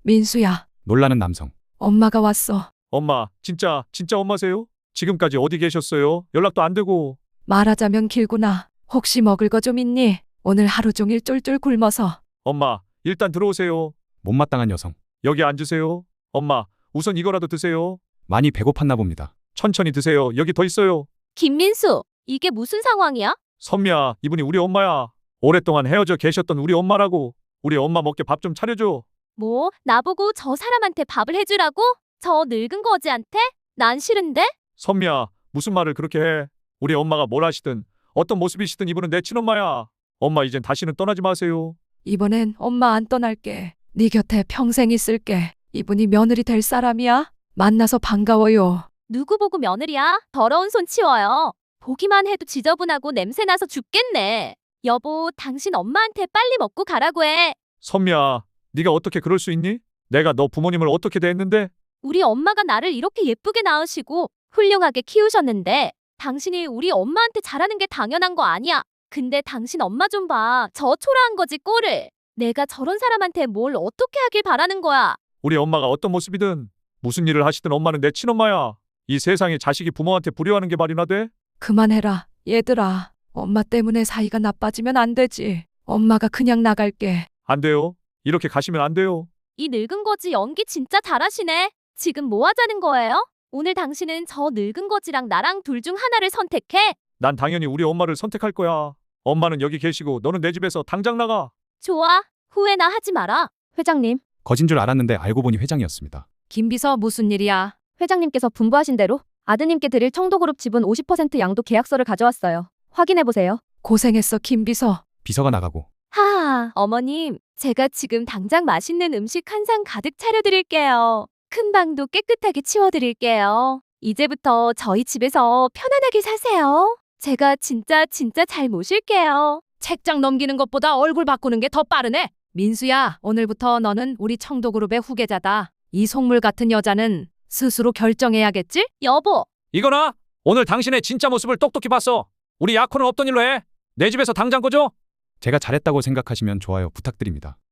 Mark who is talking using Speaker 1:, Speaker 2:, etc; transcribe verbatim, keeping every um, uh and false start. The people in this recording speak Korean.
Speaker 1: 민수야,
Speaker 2: 놀라는 남성.
Speaker 1: 엄마가 왔어.
Speaker 3: 엄마, 진짜, 진짜 엄마세요? 지금까지 어디 계셨어요? 연락도 안 되고.
Speaker 1: 말하자면 길구나. 혹시 먹을 거 좀 있니? 오늘 하루 종일 쫄쫄 굶어서.
Speaker 3: 엄마, 일단 들어오세요.
Speaker 2: 못마땅한 여성.
Speaker 3: 여기 앉으세요. 엄마, 우선 이거라도 드세요.
Speaker 2: 많이 배고팠나 봅니다.
Speaker 3: 천천히 드세요. 여기 더 있어요.
Speaker 4: 김민수, 이게 무슨 상황이야?
Speaker 3: 선미야, 이분이 우리 엄마야. 오랫동안 헤어져 계셨던 우리 엄마라고. 우리 엄마 먹게 밥 좀 차려줘.
Speaker 4: 뭐, 나보고 저 사람한테 밥을 해주라고? 저 늙은 거지한테? 난 싫은데?
Speaker 3: 선미야, 무슨 말을 그렇게 해. 우리 엄마가 뭘 하시든 어떤 모습이시든 이분은 내 친엄마야. 엄마 이젠 다시는 떠나지 마세요.
Speaker 1: 이번엔 엄마 안 떠날게. 네 곁에 평생 있을게. 이분이 며느리 될 사람이야? 만나서 반가워요.
Speaker 4: 누구 보고 며느리야? 더러운 손 치워요. 보기만 해도 지저분하고 냄새나서 죽겠네. 여보, 당신 엄마한테 빨리 먹고 가라고 해.
Speaker 3: 선미야, 네가 어떻게 그럴 수 있니? 내가 너 부모님을 어떻게 대했는데?
Speaker 4: 우리 엄마가 나를 이렇게 예쁘게 낳으시고 훌륭하게 키우셨는데 당신이 우리 엄마한테 잘하는 게 당연한 거 아니야. 근데 당신 엄마 좀 봐. 저 초라한 거지 꼴을. 내가 저런 사람한테 뭘 어떻게 하길 바라는 거야.
Speaker 3: 우리 엄마가 어떤 모습이든 무슨 일을 하시든 엄마는 내 친엄마야. 이 세상에 자식이 부모한테 불효하는 게 말이나 돼?
Speaker 1: 그만해라, 얘들아. 엄마 때문에 사이가 나빠지면 안 되지. 엄마가 그냥 나갈게.
Speaker 3: 안 돼요. 이렇게 가시면 안 돼요.
Speaker 4: 이 늙은 거지 연기 진짜 잘하시네. 지금 뭐 하자는 거예요? 오늘 당신은 저 늙은 거지랑 나랑 둘 중 하나를 선택해.
Speaker 3: 난 당연히 우리 엄마를 선택할 거야. 엄마는 여기 계시고 너는 내 집에서 당장 나가.
Speaker 4: 좋아. 후회나 하지 마라. 회장님,
Speaker 2: 거진 줄 알았는데 알고 보니 회장이었습니다.
Speaker 1: 김비서 무슨 일이야?
Speaker 5: 회장님께서 분부하신 대로 아드님께 드릴 청도그룹 지분 오십 퍼센트 양도 계약서를 가져왔어요. 확인해보세요.
Speaker 1: 고생했어, 김비서.
Speaker 2: 비서가 나가고
Speaker 4: 하하, 어머님, 제가 지금 당장 맛있는 음식 한 상 가득 차려드릴게요. 큰 방도 깨끗하게 치워드릴게요. 이제부터 저희 집에서 편안하게 사세요. 제가 진짜 진짜 잘 모실게요.
Speaker 1: 책장 넘기는 것보다 얼굴 바꾸는 게 더 빠르네. 민수야, 오늘부터 너는 우리 청도그룹의 후계자다. 이 속물 같은 여자는 스스로 결정해야겠지?
Speaker 4: 여보,
Speaker 3: 이거나 오늘 당신의 진짜 모습을 똑똑히 봤어. 우리 약혼은 없던 일로 해. 내 집에서 당장 꺼져.
Speaker 2: 제가 잘했다고 생각하시면 좋아요 부탁드립니다.